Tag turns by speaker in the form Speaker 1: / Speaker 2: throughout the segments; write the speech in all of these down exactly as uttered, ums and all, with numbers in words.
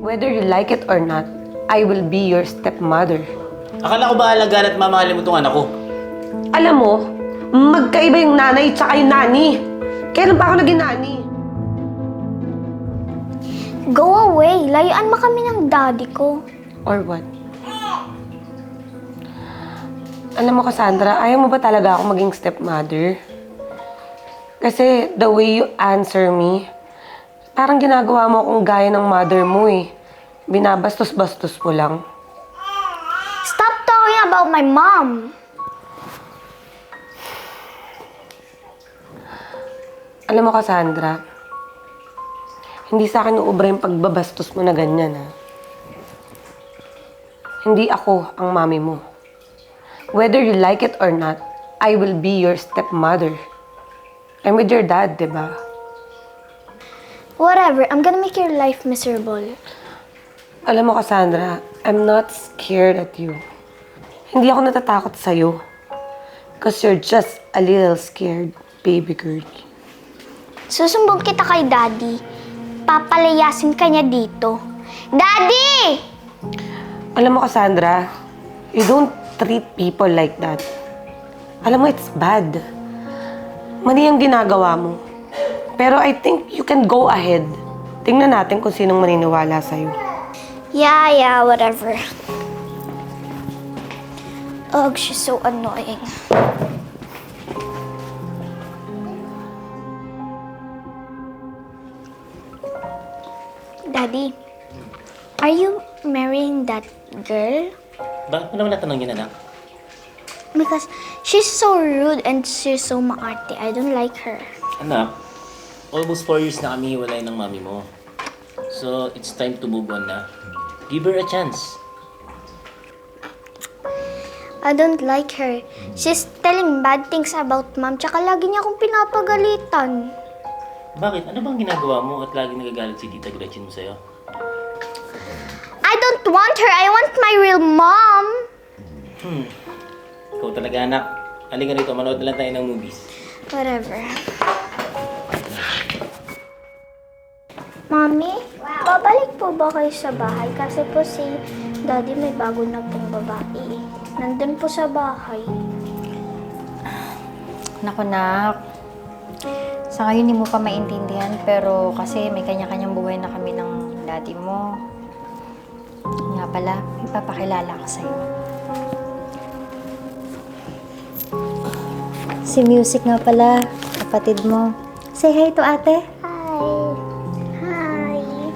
Speaker 1: Whether you like it or not, I will be your stepmother.
Speaker 2: Akala ko ba alagaan at mamahalin mo itong anak ko?
Speaker 1: Alam mo, magkaiba yung nanay tsaka yung nani. Kailan pa ako naging nani?
Speaker 3: Go away! Layuan mo kami ng daddy ko.
Speaker 1: Or what? Alam mo, Cassandra, ayaw mo ba talaga ako maging stepmother? Kasi the way you answer me, parang ginagawa mo akong gaya ng mother mo eh. Binabastos-bastos mo lang.
Speaker 3: Stop talking about my mom!
Speaker 1: Alam mo, Cassandra, hindi sa akin uubra yung pagbabastos mo na ganyan, ha? Hindi ako ang mami mo. Whether you like it or not, I will be your stepmother. I'm with your dad, di ba?
Speaker 3: Whatever, I'm gonna make your life miserable.
Speaker 1: Alam mo, Cassandra, I'm not scared at you. Hindi ako natatakot sa'yo. Because you're just a little scared, baby girl.
Speaker 3: Susumbong kita kay daddy. Papalayasin ka niya dito. Daddy!
Speaker 1: Alam mo, Cassandra, you don't treat people like that. Alam mo, it's bad. Mali ang ginagawa mo. Pero I think you can go ahead. Tingnan natin kung sinong maniniwala sa'yo.
Speaker 3: Yeah, yeah, whatever. Ugh, she's so annoying. Daddy, are you marrying that girl?
Speaker 2: Bakit mo naman natanong yun, anak?
Speaker 3: Because she's so rude and she's so maarte. I don't like her.
Speaker 2: Anak, almost four years na kami hiwalay ng mami mo. So, it's time to move on na. Give her a chance.
Speaker 3: I don't like her. She's telling bad things about mom, tsaka lagi niya akong pinapagalitan.
Speaker 2: Bakit? Ano bang ginagawa mo at lagi nagagalit si Tita Gretchen mo sa'yo?
Speaker 3: I don't want her. I want my real mom.
Speaker 2: Hmm. Ikaw talaga, anak. Halika rito, manood na lang tayo ng movies.
Speaker 3: Whatever. Mami, babalik po ba kayo sa bahay? Kasi po si Daddy may bago na pong babae. Nandun po sa bahay.
Speaker 4: Naku, nak. Sa ngayon, hindi mo pa maintindihan, pero kasi may kanya-kanyang buhay na kami ng daddy mo. Nga pala, may papakilala ko sa'yo. Si Music nga pala, kapatid mo. Say hi to ate.
Speaker 3: Hi. Hi.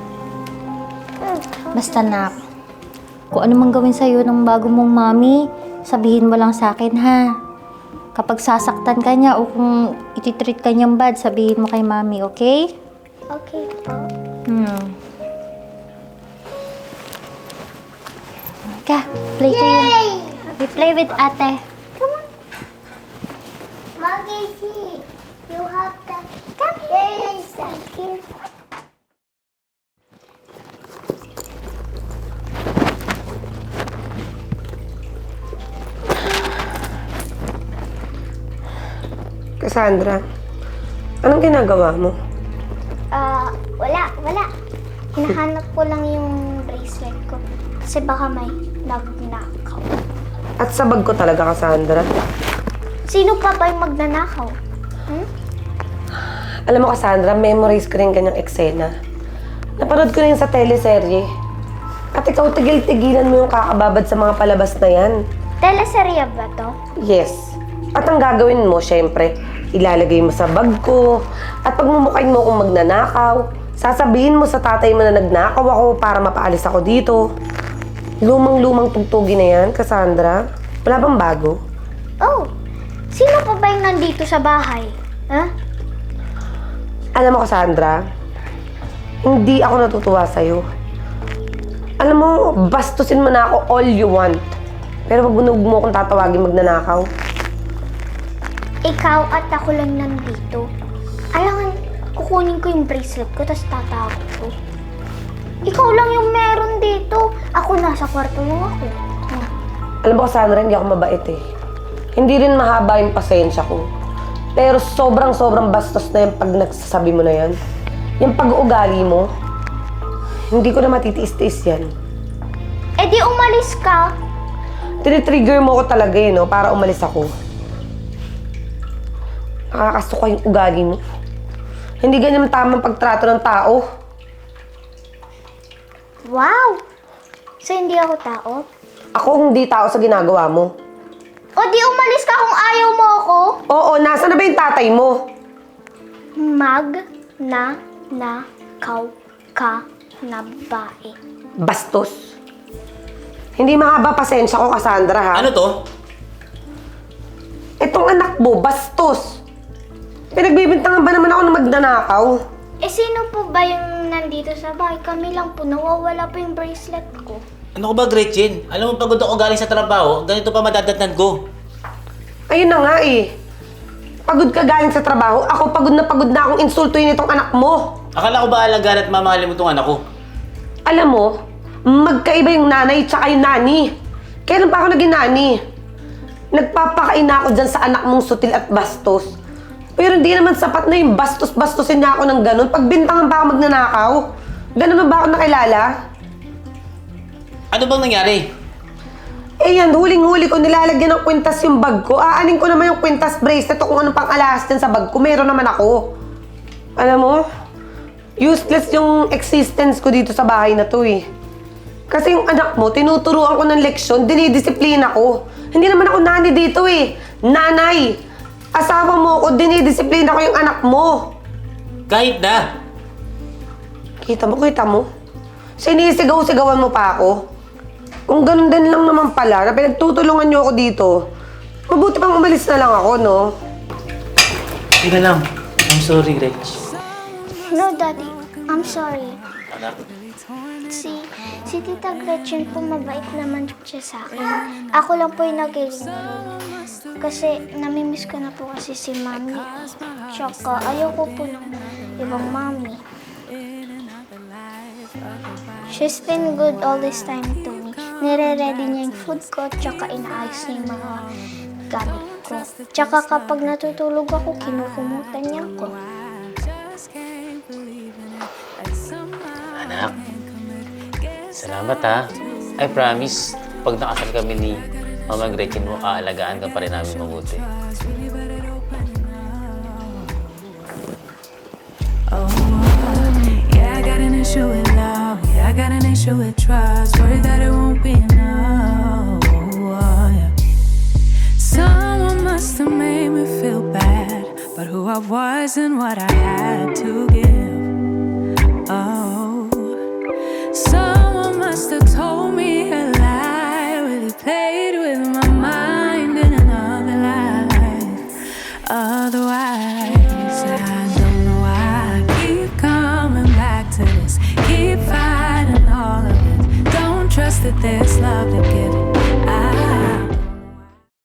Speaker 4: Basta, nak. Kung ano mang gawin sa'yo ng bago mong mami, sabihin mo lang sa akin, ha? Kapag sasaktan ka niya o kung ititreat ka niyang bad, sabihin mo kay mami, okay?
Speaker 3: Okay po.
Speaker 4: Hmm. Ka, play kayo. We play with ate.
Speaker 3: Mommy, see. You have the... Come here. Thank you.
Speaker 1: Cassandra, anong ginagawa mo?
Speaker 3: Ah, wala, wala. Hinahanap ko lang yung bracelet ko. Kasi baka may nagnakaw.
Speaker 1: At sa bag ko talaga, Cassandra.
Speaker 3: Sino pa ba yung magnanakaw? Hmm?
Speaker 1: Alam mo, Cassandra, memorize ko rin ganyang eksena. Napanood ko na yun sa teleserye. At ikaw, tigil-tigilan mo yung kakababad sa mga palabas na yan.
Speaker 3: Teleserye ba to?
Speaker 1: Yes. At ang gagawin mo, syempre, ilalagay mo sa bag ko. At pag mumukhain mo kung magnanakaw, sasabihin mo sa tatay mo na nagnakaw ako para mapaalis ako dito. Lumang-lumang tugtugi na yan, Cassandra. Wala bang bago?
Speaker 3: Oh, sino pa ba yung nandito sa bahay? Ha?
Speaker 1: Alam mo, Cassandra, hindi ako natutuwa sa'yo. Alam mo, bastusin mo na ako all you want. Pero pag bunog mo akong tatawagin magnanakaw.
Speaker 3: Ikaw at ako lang nandito. Alangan, kukunin ko yung bracelet ko, tapos tatawag ko. Ikaw lang yung meron dito. Ako nasa kwarto lang ako. Hmm.
Speaker 1: Alam mo, Cassandra, hindi ako mabait eh. Hindi rin mahaba yung pasensya ko. Pero sobrang-sobrang bastos na yung pag nagsasabi mo na yan. Yung pag-uugali mo, Hindi ko na matitiis-tiis yan.
Speaker 3: Eh di umalis ka.
Speaker 1: Tinitrigger mo ko talaga eh, no? Para umalis ako. Nakakasuka yung ugali mo. Hindi ganyan tamang pagtrato ng tao.
Speaker 3: Wow! So hindi ako tao?
Speaker 1: Ako hindi tao sa ginagawa mo.
Speaker 3: O di umalis ka kung ayaw mo ako?
Speaker 1: Oo, nasa na ba yung tatay mo?
Speaker 3: Mag na na kaw ka na bae.
Speaker 1: Bastos. Hindi mahaba pasensya ko, Cassandra, ha?
Speaker 2: Ano to?
Speaker 1: Itong anak mo, bastos. Pinagbibintangan ba naman ako ng magnanakaw?
Speaker 3: Eh sino po ba yung nandito sa bahay? Kami lang po, nawawala po yung bracelet ko.
Speaker 2: Ano ko ba, Gretchen? Alam mo, pagod ako galing sa trabaho, ganito pa madadatnan ko.
Speaker 1: Ayun na nga eh. Pagod ka galing sa trabaho, ako pagod na pagod na akong insultuin itong anak mo.
Speaker 2: Akala ko ba alagaan at mamahalin mo itong anak ko?
Speaker 1: Alam mo, magkaiba yung nanay tsaka yung nani. Kailan pa ako naging nani? Nagpapakain na ako dyan sa anak mong sutil at bastos. Pero hindi naman sapat na yung bastos-bastosin niya ako ng ganun. Pagbintangan pa ako magnanakaw. Ganun na ba ako nakilala?
Speaker 2: Ano bang nangyari?
Speaker 1: Eh yan, huling-huli ko nilalagyan ng kwintas yung bag ko. Aanin ko naman yung kwintas bracelet o kung anong pang alas dyan sa bag ko. Meron naman ako. Alam mo, useless yung existence ko dito sa bahay na to eh. Kasi yung anak mo, tinuturuan ko ng leksyon, dinidisiplina ko. Hindi naman ako nani dito eh. Nanay! Asawa mo ko, dinidisiplina ko yung anak mo.
Speaker 2: Kahit na!
Speaker 1: Kita mo, kita mo? Sinisigaw-sigawan mo pa ako. Kung ganun din lang naman pala, na pinagtutulungan niyo ako dito, mabuti pang umalis na lang ako, no?
Speaker 2: Teka lang. I'm sorry, Gretch.
Speaker 3: No, Daddy. I'm sorry.
Speaker 2: Anak,
Speaker 3: Si, si Tita Gretchen po mabait naman siya sa akin. Ako lang po yung nagiging rude. Kasi namimiss ko na po kasi si Mami. Tsaka ayoko po ng ibang Mami. She's been good all this time to me. Nire-ready niya yung food ko, tsaka inaayos niya yung mga gamit ko. Tsaka kapag natutulog ako, kinukumutan niya ako.
Speaker 2: anak. Salamat ha. I promise, pag nakasal kami ni Mama Gretchen mo, aalagaan ka pa rin namin mabuti.
Speaker 5: Yeah, I got an issue with love. Yeah, I got an issue with trust. Worried that it won't be enough. Oh, yeah. Someone must have made me feel bad, but who I was and what I had to give. Oh, someone must have told me a lie. Really played with my mind in another life. Otherwise, I don't know why I keep coming back to this. Keep fighting all of it. Don't trust that there's